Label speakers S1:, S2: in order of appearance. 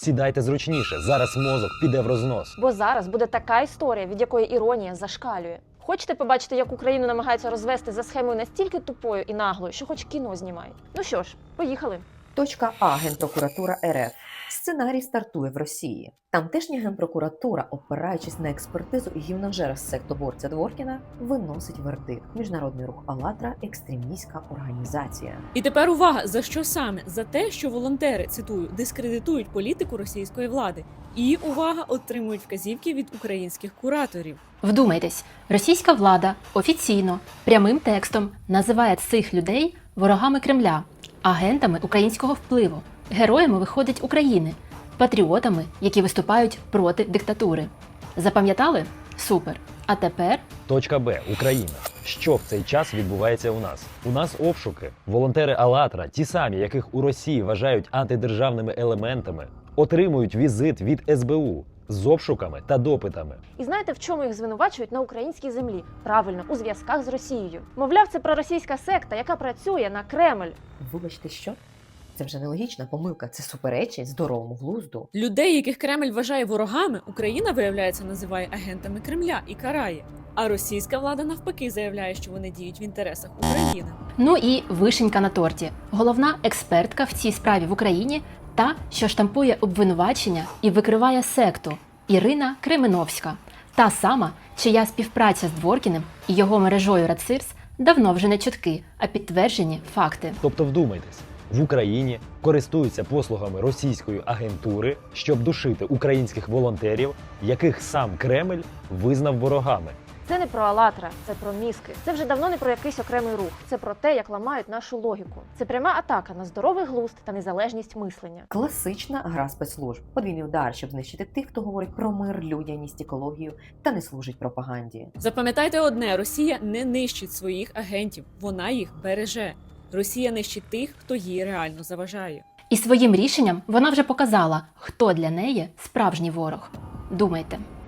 S1: Сідайте зручніше, зараз мозок піде в рознос.
S2: Бо зараз буде така історія, від якої іронія зашкалює. Хочете побачити, як Україну намагаються розвести за схемою настільки тупою і наглою, що хоч кіно знімають? Ну що ж, поїхали.
S3: Точка А. Генпрокуратура РФ. Сценарій стартує в Росії. Тамтешня генпрокуратура, опираючись на експертизу гівножера сектоборця Дворкіна, виносить вердикт. Міжнародний рух «АЛЛАТРА» – екстремістська організація.
S4: І тепер увага, за що саме? За те, що волонтери, цитую, дискредитують політику російської влади. І, увага, отримують вказівки від українських кураторів.
S5: Вдумайтесь, російська влада офіційно, прямим текстом називає цих людей ворогами Кремля, агентами українського впливу, героями, виходить, України, патріотами, які виступають проти диктатури. Запам'ятали? Супер. А тепер
S1: Точка Б. Україна. Що в цей час відбувається у нас? У нас обшуки. Волонтери «АЛЛАТРА», ті самі, яких у Росії вважають антидержавними елементами, отримують візит від СБУ з обшуками та допитами.
S2: І знаєте, в чому їх звинувачують на українській землі? Правильно, у зв'язках з Росією. Мовляв, це проросійська секта, яка працює на Кремль.
S3: Вибачте, що? Це вже нелогічна помилка, це суперечить здоровому глузду.
S4: Людей, яких Кремль вважає ворогами, Україна, виявляється, називає агентами Кремля і карає. А російська влада навпаки заявляє, що вони діють в інтересах України.
S5: ну і вишенька на торті. Головна експертка в цій справі в Україні – та, що штампує обвинувачення і викриває секту – Ірина Кременовська. Та сама, чия співпраця з Дворкіним і його мережою «Рацирс» давно вже не чутки, а підтверджені факти.
S1: Тобто вдумайтесь, в Україні користуються послугами російської агентури, щоб душити українських волонтерів, яких сам Кремль визнав ворогами.
S2: Це не про «АЛЛАТРА», це про мізки. Це вже давно не про якийсь окремий рух. Це про те, як ламають нашу логіку. Це пряма атака на здоровий глузд та незалежність мислення.
S3: Класична гра спецслужб. Подвійний удар, щоб знищити тих, хто говорить про мир, людяність, екологію та не служить пропаганді.
S4: Запам'ятайте одне, Росія не нищить своїх агентів, вона їх береже. Росія нищить тих, хто їй реально заважає.
S5: І своїм рішенням вона вже показала, хто для неї справжній ворог. Думайте.